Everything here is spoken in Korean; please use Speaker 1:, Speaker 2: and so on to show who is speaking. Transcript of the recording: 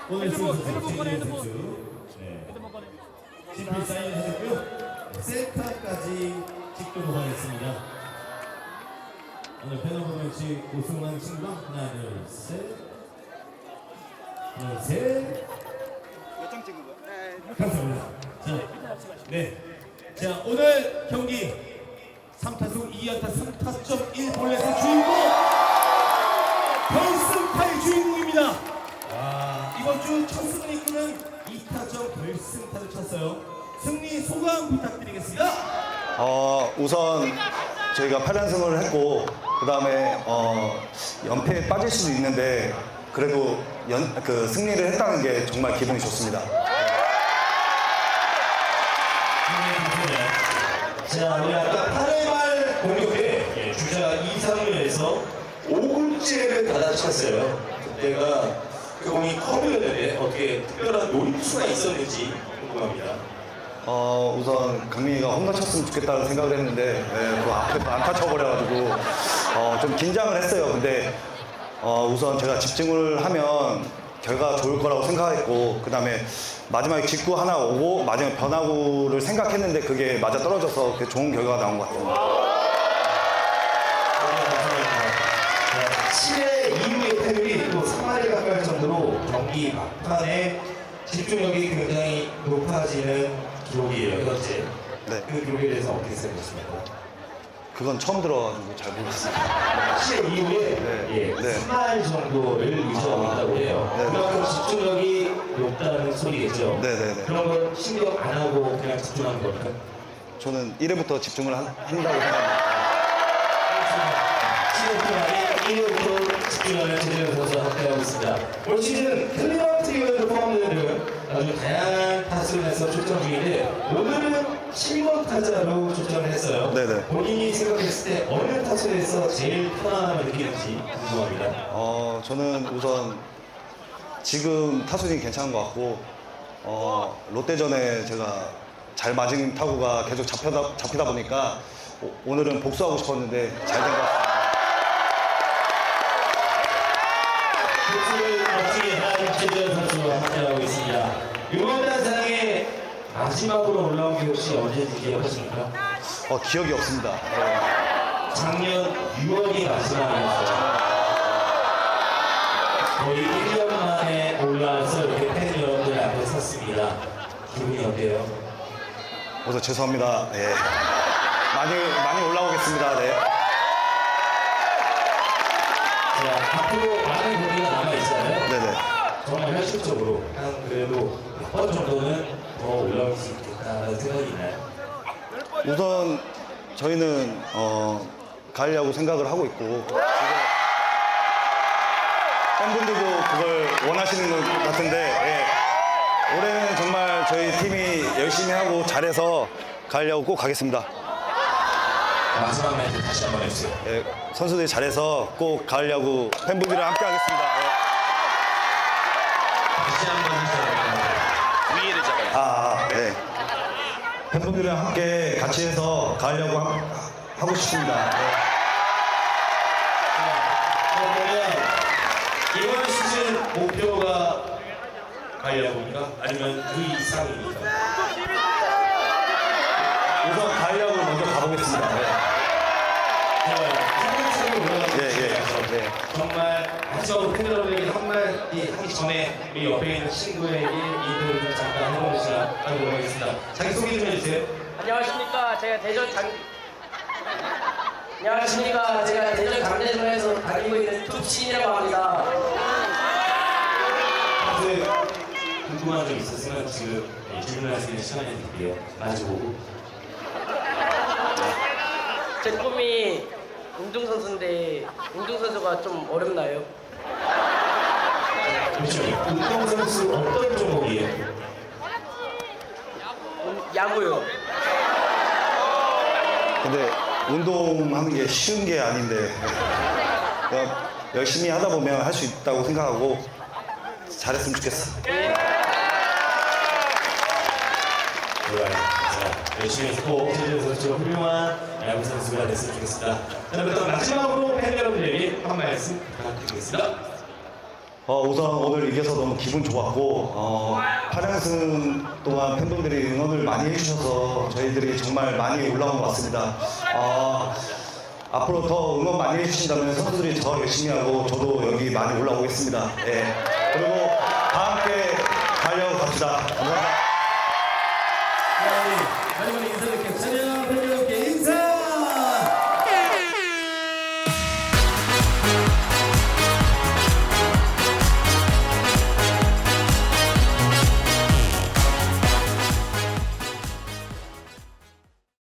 Speaker 1: 오늘 선수 최진현 선수 CP 사인하셨고요. 셀카까지 찍도록 하겠습니다. 오늘 패널버런치 우승한 친구가 하나 둘셋 하나 셋
Speaker 2: 몇 장 찍은 거야?
Speaker 1: 감사합니다. 자 오늘 경기 3타수 2안타 3타점 1볼넷의 주인공 결승타의 주인공입니다. 와, 이번 주 첫 승리 이끄는 2타점 결승타를 쳤어요. 승리 소감 부탁드리겠습니다.
Speaker 2: 우선 저희가 8연승을 했고 그 다음에 연패에 빠질 수도 있는데 그래도 승리를 했다는 게 정말 기분이 좋습니다.
Speaker 3: 자, 우리 아까 8회 말 공격에 주자 2-3을 해서 5굴째를 받아쳤어요. 그때가 그 공이 커브였는데 어떻게 특별한 노림수가 있었는지 궁금합니다.
Speaker 2: 우선 강민이가 홈런 쳤으면 좋겠다는 생각을 했는데 그 앞에서 안타 쳐버려가지고 좀 긴장을 했어요. 근데 우선 제가 집중을 하면 결과가 좋을 거라고 생각했고 그 다음에 마지막에 직구 하나 오고 마지막에 변화구를 생각했는데 그게 맞아 떨어져서 그게 좋은 결과가 나온 것 같습니다.
Speaker 3: 7회 이후의 타율이 또 3할에 가까울 정도로 경기 막판에 집중력이 굉장히 높아지는 기록이에요, 현재.
Speaker 2: 네.
Speaker 3: 그 기록에 대해서 어떻게 생각하십니까?
Speaker 2: 그건 처음 들어가지고 잘 모르겠습니다.
Speaker 3: 7회 이후에
Speaker 2: 네.
Speaker 3: 3할 정도를 유지하고 있다고 해요.
Speaker 2: 네.
Speaker 3: 그만큼 집중력이 높다는 소리겠죠?
Speaker 2: 네네네.
Speaker 3: 그런 건 신경 안 하고 그냥 집중하는 겁니까?
Speaker 2: 저는 1회부터 집중을 한다고 생각합니다.
Speaker 3: 7회 동안에 1회부터 집중하는 최재현 선수와 함께하고 있습니다. 올 시즌 클리너트리오에 포함되는 아주 다양한 타수를 해서 출전 중인데 오늘은 7번 타자로 출전을 했어요.
Speaker 2: 네네.
Speaker 3: 본인이 생각했을 때 어느 타수에서 제일 편안함을 느끼는지 궁금합니다.
Speaker 2: 저는 우선 지금 타순이 괜찮은 것 같고 롯데전에 제가 잘 맞은 타구가 계속 잡히다 보니까 오늘은 복수하고 싶었는데 잘 된 것 같습니다.
Speaker 3: 복수를 멋지게 한 최재현 선수와 함께하고 있습니다. 이번 단상에 마지막으로 올라온 게 혹시 언제인지 기억하십니까?
Speaker 2: 기억이 없습니다.
Speaker 3: 작년 6월이 마지막이었어요. 거의 1년 만에 올라와서 이렇게 팬 여러분들 앞에 섰습니다. 기분이 어때요?
Speaker 2: 우선 죄송합니다. 예. 많이 올라오겠습니다. 네.
Speaker 3: 자, 앞으로 많은 경기가 남아있잖아요.
Speaker 2: 네네.
Speaker 3: 정말 현실적으로 한 그래도 몇 번 정도는 더 올라올 수 있겠다는 생각이 있나요?
Speaker 2: 우선 저희는 가을 야구 생각을 하고 있고 지금 팬분들도 그걸 원하시는 것 같은데 올해는 정말 저희 팀이 열심히 하고 잘해서 가을 야구 꼭 가겠습니다.
Speaker 3: 마지막 멘트 다시 한번 해주세요.
Speaker 2: 선수들이 잘해서 꼭 가을 야구 팬분들이랑 함께 하겠습니다.
Speaker 3: 다시 한번 해주세요. 위에를 잡아요.
Speaker 2: 네. 팬분들이랑 함께 같이 해서 가을 야구 하고 싶습니다.
Speaker 3: 그러면 이번 시즌 목표가 가려고입니까? 아니면 그 이상입니까?
Speaker 2: 우선 가을 야구 먼저 가보겠습니다.
Speaker 3: 차근차근 올라가서
Speaker 2: 네.
Speaker 3: 정말 마지막으로 팬 여러분에게 한마디 하기 전에 우리 옆에 있는 친구에게 인터뷰를 좀 잠깐 해보는 시간 하도록 하겠습니다. 자기 소개 좀 해주세요.
Speaker 4: 안녕하십니까. 제가 대전 강대전에서 다니고 있는 툭신이라고 합니다.
Speaker 3: 평소에 궁금한 점 있었으면 지금 질문할 수 있는 시간이 드릴게요. 마주보고.
Speaker 4: 제 꿈이 운동선수인데 운동선수가 좀 어렵나요?
Speaker 3: 그렇죠. 운동선수 어떤 종목이에요?
Speaker 4: 야구요.
Speaker 2: 근데 운동하는 게 쉬운 게 아닌데 그냥 열심히 하다 보면 할 수 있다고 생각하고 잘했으면 좋겠어.
Speaker 3: 좋아요. 자, 열심히 해서 꼭 최재현 선수가 훌륭한 야구 선수가 됐으면 좋겠습니다. 자, 그럼 마지막으로 팬 여러분들에게 한 말씀 부탁드리겠습니다.
Speaker 2: 우선 오늘 이겨서 너무 기분 좋았고 8연승 동안 팬분들이 응원을 많이 해주셔서 저희들이 정말 많이 올라온 것 같습니다. 앞으로 더 응원 많이 해주신다면 선수들이 더 열심히 하고 저도 여기 많이 올라오겠습니다. 예. 그리고 다 함께 달려갑시다. 감사합니다.
Speaker 1: 마지막에